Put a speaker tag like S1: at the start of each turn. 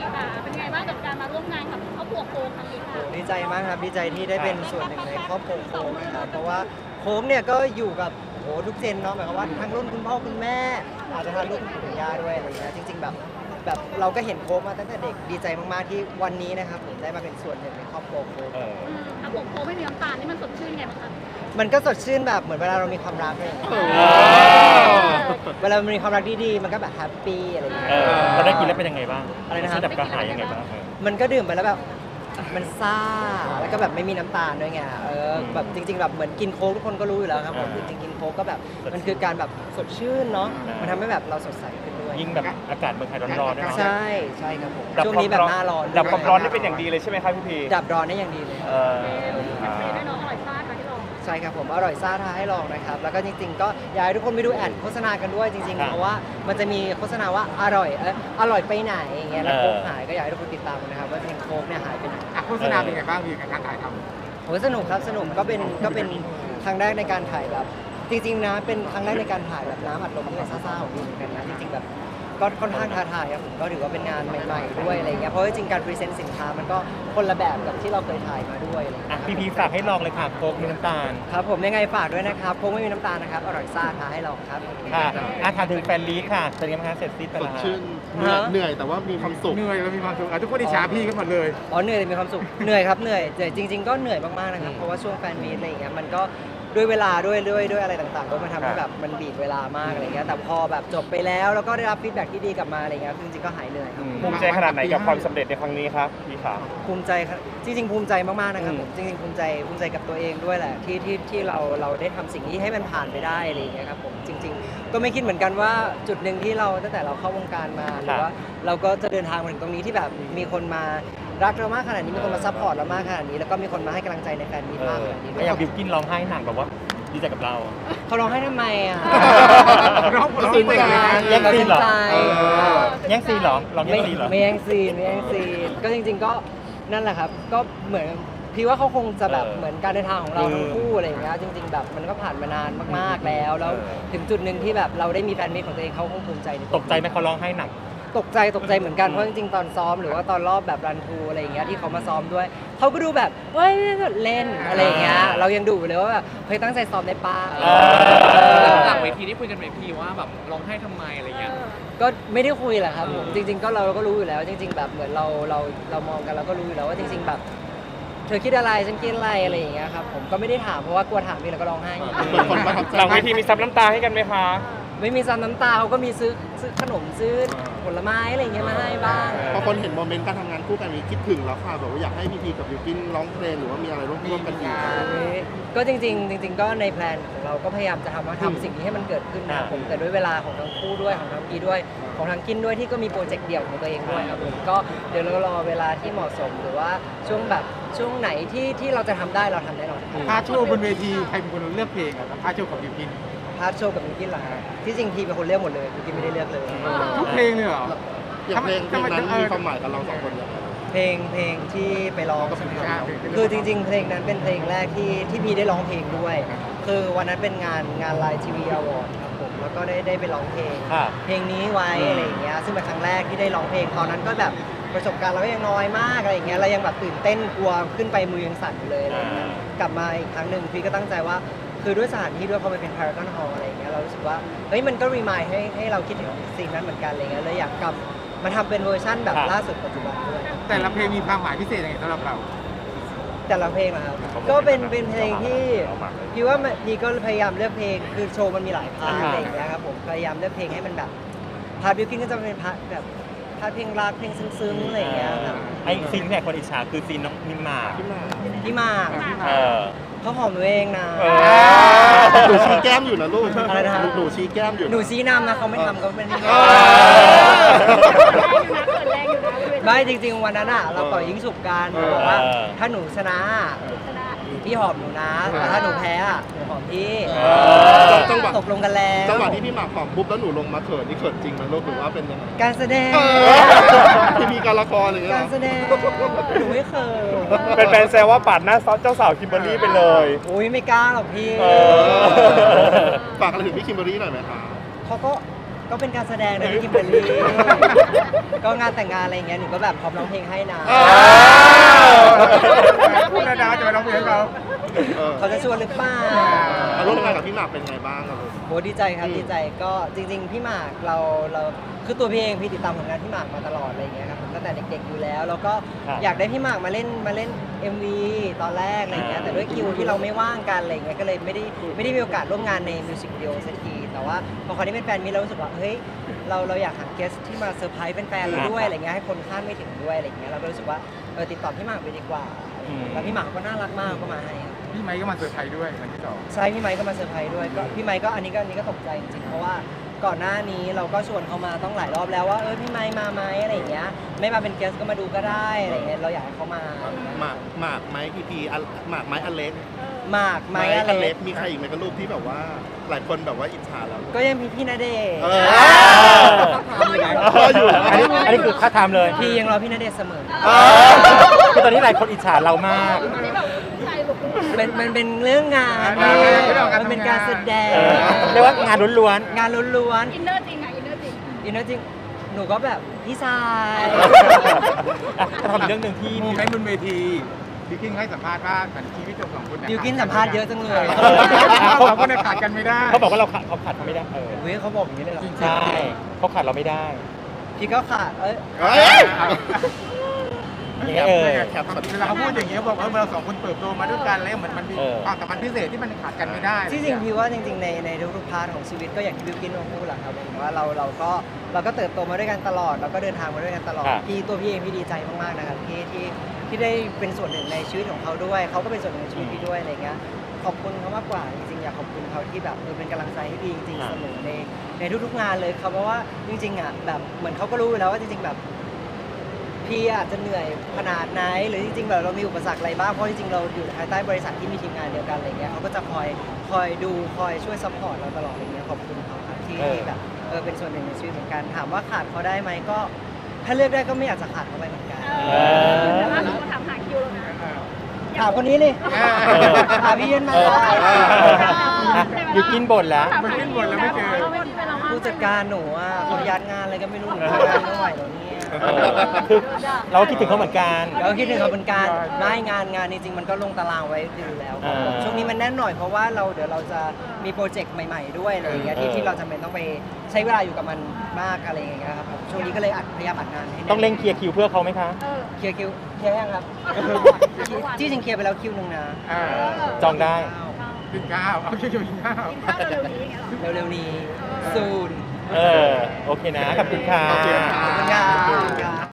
S1: ค่ะเป็นไงบ้างกับการมาร่วมงานกับครอบครัวโค้งครั้งนี้ค่ะ
S2: ดีใจมากครับดีใจที่ได้เป็นส่วนหนึ่งในครอบครัวโค้งนะครับเพราะว่าโค้งเนี่ยก็อยู่กับทุกเจนเนาะหมายความว่าทั้งรุ่นคุณพ่อคุณแม่อาจจะทันรุ่นคุณปู่คุณย่าด้วยอะไรเงี้ยจริงๆแบบเราก็เห็นโค้งมาตั้งแต่เด็กดีใจมากๆที่วันนี้นะครับผมได้มาเป็นส่วนหนึ่งในครอบครัวโค้ง
S1: ครับผมโค้งไม่มีน้ำตาลนี่มันสดชื่นไงบ้างคะ
S2: มันก็สดชื่นแบบเหมือนเวลาเรามีความรักเลยเวลามันมีความรักดีๆมันก็แบบแฮปปี้อะไรอย่างเงี้ย
S3: เราได้กินแล้วเป็นยังไงบ้าง
S2: อะไรนะครับ
S3: ดับกระหายยังไงบ้าง
S2: มันก็ดื่มไปแล้วแบบมันซ่าแล้วก็แบบไม่มีน้ำตาลด้วยไงแบบจริงๆแบบเหมือนกินโค้กทุกคนก็รู้อยู่แล้วครับผมจริงๆกินโค้กก็แบบมันคือการแบบสดชื่นเนาะมันทำให้แบบเราสดใสขึ้นด้วย
S3: ยิ่งแบบอากาศเมืองไทยร้อนๆด้วยเนาะ
S2: ใช่ใช่ครับผมช่วงนี้แบบหน้าร้อน
S4: ดับความร้อนได้เป็นอย่างดีเลยใช่ไหมครับพี่พี
S2: ดับร้อนได้อย่างดีเลย
S1: แฮปปี้ด้วยเนาะอร่อยซ่าค่ะที่ลอง
S2: ใช่ครับผมอร่อยซ่าท้าให้ลองนะครับแล้วก็จริงๆก็อยากให้ทุกคนไปดูแอดโฆษณากันด้วยจริงๆเพราะว่ามันจะมีโฆษณาว่าอร่อยไปไหนอย่างเงี้ยแล้วโค้กหายก็อยากให้ทุกคนติดตามนะครับว่าจริงๆโค้กเนี่ยหายไปไหน
S5: โฆษณาเป็นไงบ้างพี่การถ่ายทำ
S2: โอ้ยสนุกครับสนุกก็เป็นครั้งแรกในการถ่ายแบบจริงๆนะเป็นครั้งแรกในการถ่ายแบบน้ำอัดลมที่เป็นซ่าๆของพี่เหมือนกันนะจริงๆแบบก็ค่อนข้างท้าทายครับผมก็ถือว่าเป็นงานใหม่ๆด้วยอะไรเงี้ยเพราะว่าจริงๆการพรีเซนต์สินค้ามันก็คนละแบบกับที่เราเคยถ่ายมาด้วยอะไรเงี้ย
S3: พี่พีฝากให้ลองเลยค่ะโค้กมีน้ำตาล
S2: ครับผมยังไงฝากด้วยนะครับโค้กไม่มีน้ำตาลนะครับอร่อยซ่าท้าให้ลองครับ
S3: ค่ะถามถึงแฟนลีดค่ะเป็นยังไงคะเสร็จสิ้นไป
S6: ส
S3: แล้
S6: ด
S3: ว
S6: ชื่นเหนื่อยแต่ว่ามีความสุข
S5: เหนื่อยแล้วมีความสุขทุกคนอิจฉาพี่กันหมดเลย
S2: อ๋อเหนื่อยแต่มีความสุขเหนื่อยครับเหนื่อยแต่จริง ๆก็เหนื่อยมากๆนะครับเพราะว่าช่วงแฟนมีตอะไรอย่างเงี้ยมันก็ด้วยเวลาด้วยอะไรต่างๆก็มันทำให้แบบมันบีบเวลามากอะไรเงี้ยแต่พอแบบจบไปแล้วแล้วก็ได้รับฟีดแบ็กที่ดีกลับมาอะไรเงี้ยจริงๆก็หายเหนื่อยครับ
S4: ภูมิใจขนาดไหนกับความสำเร็จในครั้งนี้ครับพี่ขา
S2: ภูมิใจครับจริงๆภูมิใจมากๆนะครับผมจริงๆภูมิใจกับตัวเองด้วยแหละที่เราได้ทำสิ่งนี้ให้มันผ่านไปได้อะไรอย่างเงี้ยครับผมจริง ๆ ก็ไม่คิดเหมือนกันว่าจุดหนึ่งที่เราตั้งแต่เราเข้าวงการมาหรือว่าเราก็จะเดินทางมาถึงตรงนี้ที่แบบมีคนมารักเรามากขนาดนี้มีคนมาซัพพอร์ตเรามากขนาดนี้แล้วก็มีคนมาให้กำลังใจในแฟนมีตมากขนาดนี้ด้วย
S3: อย่างบิวกินร้องไห้หนักแบบว่าดีใจกับเรา
S2: เขาร้องให้ทำไมอ่ะ
S5: ร้องเพลงเลยนะ
S3: แย่งซีนเหรอ
S2: ใจ
S3: แย่งซีนเหรอลองแย่
S2: ไม่
S3: งซีนเหรอ
S2: ไม่แย่งซีนไม่แย่งซีนก็จริง ๆก็นั่นแหละครับก็เหมือนพี่ว่าเขาคงจะแบบเหมือนการเดินทางของเราทั้งคู่อะไรอย่างเงี้ยจริง ๆ แบบมันก็ผ่านมานานมากๆแล้วถึงจุดหนึ่งที่แบบเราได้มีแฟนมิตรของตัวเองเขาคงภูมิใจในว
S3: ตกใจไหมเขาร้องไห้หนัก
S2: ตกใจเหมือนกันเพราะจริงๆตอนซ้อมหรือว่าตอนรอบแบบรันทูอะไรอย่างเงี้ยที่เขามาซ้อมด้วยเขาก็ดูแบบเฮ้ยเล่นอะไรอย่างเงี้ยเรายังดูเลยว่าแบบเฮ้ยตั้งใจซ้อมได้ป้า
S7: หลังเวทีที่คุยกันไหมพี่ว่าแบบร้องไห้ทำไมอะไรเงี้ย
S2: ก็ไม่ได้คุยแหละครับผมจริง ๆ ก็เราก็รู้อยู่แล้ว จริง ๆ แบบเหมือนเรามองกันเราก็รู้อยู่แล้วว่าจริง ๆ แบบเธอคิดอะไรฉันคิดอะไรอย่างเงี้ยครับผมก็ไม่ได้ถามเพราะว่ากลัวถามพี่แล้วก็ร้องไห้
S6: เหมือนคนประทับใจ
S4: หลังเวทีมีซับน้ำตาให้กันไหมคะ
S2: ไม่มีซ้ำน้ำตาเขาก็มีซื้อขนมซื้อผลไม้อะไรอย่างเงี้ยมาให้บ้าง
S6: พอคนเห็นโมเมนต์การทำงานคู่กันมีคิดถึงแล้วค่ะแบบว่าอยากให้พีพีกับยูกินร้องเพลงหรือว่ามีอะไรร่วมกันอีก
S2: ก็จริงๆก็ในแพลนของเราก็พยายามจะทำสิ่งนี้ให้มันเกิดขึ้นนะครับผมแต่ด้วยเวลาของทั้งคู่ด้วยของทั้งกีด้วยของทั้งกินด้วยที่ก็มีโปรเจกต์เดี่ยวของตัวเองด้วยครับผมก็เดี๋ยวเรารอเวลาที่เหมาะสมหรือว่าช่วงไหนที่เราจะทำได้เราทำแน่นอน
S5: พาร์ทโชว์บนเวทีใครเป็นคนเลือกเพลงอ่ะพาร์ทโชว์ของบิวกิน
S2: พาร์ทโชว์กับมิวกินเหรอฮะที่จริงทีเป็นคนเลือกหมดเลยมิวกินไม่ได้เลือกเลย
S5: ทุกเพลงเลยเหรอ
S6: อย่างเพลงนั้นมีความหมายกับเราสองคนอย่างไร
S2: เพลงที่ไปร้องใช่ไหมครับคือจริงๆเพลงนั้นเป็นเพลงแรกที่พี่ได้ร้องเพลงด้วย คือวันนั้นเป็นงานไลน์ทีวีอวอร์ดครับผมแล้วก็ได้ไปร้องเพลง เพลงนี้ไว้อะไรอย่างเงี้ยซึ่งเป็นครั้งแรกที่ได้ร้องเพลงตอนนั้นก็แบบประสบการณ์เราก็ยังน้อยมากอะไรอย่างเงี้ยเรายังแบบตื่นเต้นกลัวขึ้นไปมือยังสั่นอยู่เลยอะไรอย่างเงี้ยกลับมาอีกครั้งหนึ่งพี่ก็ตั้งใจว่าคือด้วยสถานที่ด้วยพอมันเป็น Paragon Hall อะไรอย่างเงี้ยเรารู้สึกว่าเฮ้ยมันก็รีมายให้เราคิดถึงสิ่งนั้นเหมือนกันอะไรเงี้ยเลยอยากกลับมาทำเป็นเวอร์ชั่นแบบล่าสุดปัจจุบันด้วย
S5: แต่ละเพลงมีความหมายพิเศษยังไงสำหรับเรา
S2: แต่ละเพลงนะครับก็เป็นเพลงที่พี่ว่าพี่ก็พยายามเลือกเพลงคือโชว์มันมีหลายพาร์ทอะไรอย่างเงี้ยครับผมพยายามเลือกเพลงให้มันแบบพาร์ทบิวกิ้นก็จะเป็นพาร์ทแบบพาร์ทเพลงรักเพลงซึ้งๆอะไรอย่างเงี้ยครับ
S3: ไอ้ซีนที่คนอิจฉาคือซีนน้องนิมมา
S2: พี่มาก
S3: เออ
S2: เขาหอมตัวเองนะ
S6: หนูชี้แก้มอยู่นะลูก
S2: อะไรนะ
S6: หนูชี้แก้มอยู่
S2: หนูชี้นำนะเขาไม่ทำก็ไม่ได้
S1: เปิดแรงอยู่นะ
S2: ไม่จริงๆวันนั้นอ่ะเราต่อยยิงฉุบกันบอกว่าถ้าหนูชนะพี่หอมหนูนะแต่ถ้าหนูแพ้อะหนูหอมพี่ตกลงกันแล้ว
S6: จังหวะที่พี่หมากหอมปุ๊บแล้วหนูลงมาเขินนี่เขินจริงไหมลูกหรือว่าเป็นยังไง
S2: การแสดง
S6: พี่มีการละครอะไรอย่างเงี้ย
S2: การ
S6: เหรอ
S2: แสดงหนูไม่เคย
S4: เป็นแฟนแซวว่าปาดหน้าเจ้าสาวคิมเบอรรี่ไปเลย
S2: อุ้ยไม่กล้าหรอกพี่
S6: ฝากอะไรถึงพี่คิมเบอรรี่หน่อยไหมคะ
S2: เขาก็ก็เป็นการแสดงนะพี่คิมเบอร์รี่ ก็งานแต่งงานอะไรอย่างเงี้ยหนูก็แบบพร้อมร้องเพลงให้นะ
S5: พูดแล้วนะจะไปร้องเพลงให้เขา
S2: เขาจะชวนหรือเปล่า
S6: ร่วมงานกับพี่หมากเป็นไงบ้างครับลูก
S2: โหดีใจครับดีใจก็จริงๆพี่หมากเราคือตัวพี่เองพี่ติดตามผลงานพี่หมากมาตลอดอะไรอย่างเงี้ยครับตั้งแต่เด็กๆอยู่แล้วแล้วก็อยากได้พี่หมากมาเล่น MV ตอนแรกอะไรอย่างเงี้ยแต่ด้วยคิวที่เราไม่ว่างกันอะไรอย่างเงี้ยก็เลยไม่ได้มีโอกาสร่วมงานในมิวสิกวิดีโอสักทีแต่ว่าพอคราวนี้เป็นแฟนมิตรเรารู้สึกว่าเฮ้ยเราอยากหาเกสที่มาเซอร์ไพรส์แฟนๆเราด้วยอะไรเงี้ยให้คนคาดไม่ถึงด้วยอะไรอย่างเงี้ยเราก็รู้สึกว่าติดต่อพี่หมากไปดีกว่าแล้วพี่หมากก็น่ารักมากก็มาให้
S5: พี่ไมค์ก็มาเซอร์ไพรส์ด้วยวันที่สอง
S2: ใช่พี่ไมค์ก็มาเซอร์ไพรส์ด้วยก็พี่ไมค์ก็อันนี้ก็ตกใจจริงๆเพราะว่าก่อนหน้านี้เราก็ชวนเขามาต้องหลายรอบแล้วว่าพี่ไมค์มาไหมอะไรอย่างเงี้ยไม่มาเป็นเกสก็มาดูก็ได้อะไรอย่างเงี้ยเราอยากให้เขามา
S6: หมากไม้พีพีหมากไม้อเล็ก
S2: หมากไมค์อะไร
S6: อเล็กมีใครอีกไหมกับรูปที่แบบว่าหลายคนแบบว่าอิจฉาเรา
S2: ก็ยังมีพี่ณเดชน์
S3: อันนี้คือค่าทำเลย
S2: พี่ยังรอพี่ณเดชน์เสมอ
S3: คือตอนนี้หลายคนอิจฉาเรามาก
S1: ที่แบบใจหลุด
S2: มันเป็นเรื่องงานมันเป็นการแสดง
S3: เรียกว่างานล้วน
S2: งานล้วน
S1: อินเนอร์จริงอ่ะอินเนอร์จริง
S2: ๆอินเนอร์จริงหนูก็แบบพี่ชาย
S3: ๆถ้าทำเรื่องหนึ่งที่
S5: โมเมนต์บนเวทีบิวกินให้สัมภาษณ์ว่าเหมือนชีวิตของสองคน
S2: บิวกินสัมภาษณ์เยอะจังเลย
S5: เราสองคนขาดกันไม่ได้
S3: เขาบอกว่าเขาขาดเขาไม่ได้
S2: เฮ้ยเขาบอกอย่างนี้เลยเหรอ
S3: ใช่เขาขาดเราไม่ได้
S2: พี่ก็ขาด
S3: อย่างเงี้ย
S5: แคปเวลาเขาพูดอย่างเงี้ยบอกเราสองคนเติบโตมาด้วยกันแล้วเหมือนมันมีความสัมพันธ์พิเศษที่มันขาดกันไม่ได้
S2: ที่จริงพี่ว่าจริงๆในทุกๆพาร์ทของชีวิตก็อย่างที่บิวกินพูดแหละครับผมว่าเราก็เติบโตมาด้วยกันตลอดเราก็เดินทางมาด้วยกันตลอดพี่เองพี่ดีใจมากๆนะครับที่ได้เป็นส่วนหนึ่งในชีวิตของเขาด้วยเขาก็เป็นส่วนหนึ่งในชีวิตพี่ด้วยอะไรเงี้ยขอบคุณเขามากกว่าจริงๆอยากขอบคุณเขาที่แบบเป็นกำลังใจให้พี่จริงๆเสมอในทุกๆงานเลยครับเพราะว่าจริงๆอ่ะแบบเหมือนเขาก็รู้อยู่แล้วว่าจริงๆแบบพี่อาจจะเหนื่อยขนาดไหนหรือจริงๆแบบเรามีอุปสรรคอะไรบ้างเพราะจริงๆเราอยู่ภายใต้บริษัทที่มีทีมงานเดียวกันอะไรเงี้ยเขาก็จะคอยดูคอยช่วยซัพพอร์ตเราตลอดอะไรเงี้ยขอบคุณเขาครับที่แบบเป็นส่วนหนึ่งในชีวิตเหมือนกันถามว่าขาดเขาได้ไหมก็ถ้าเลือกได้ก็ไม่อยากจะขาดเขาไปเหมือนกัน
S1: แต่ล่าสุดก็ถามหาคิวแล้วนะ
S2: ถามคนนี้เลยถามพี่เย็นมา
S3: อยู่กินบ่นแล้ว
S5: มันขึ้นบนแล้วไม่เจอ
S1: เราไม่มีเวลาว่าง
S2: ผู้จัดการหนูอ่ะเขายัดงานอะไรก็ไม่รู้หนูทำงานไม่ไหวแล้วเนี่ย
S3: คือเราก็คิดถึงเขาเหมือนกัน
S2: แล้วคิดถึงเขาเป็นการไม่งานจริงๆมันก็ลงตารางไว้อยู่แล้วครับผมช่วงนี้มันแน่นหน่อยเพราะว่าเดี๋ยวเราจะมีโปรเจกต์ใหม่ๆด้วยอะไรอย่างเงี้ยที่เราจำเป็นต้องไปใช้เวลาอยู่กับมันมากอะไรอย่างเงี้ยครับผมช่วงนี้ก็เลยพยายามอัดงานให้แน่น
S3: ต้องเร่งเคลียร์คิวเพื่อเขาไหมคะ
S2: เคลียร์คิวเคลียร์ยังครับที่จริงเคลียร์ไปแล้วคิวหนึ่งนะ
S3: จองได้
S5: กินข้าวเอาคิวกินข้าว
S1: กินข้าวเร็วๆนี้อย่างเงี้ยเหรอ
S2: เร็วๆนี้ซูน
S3: โอเคนะ ขอบคุณค่ะ
S2: ขอบคุณครับ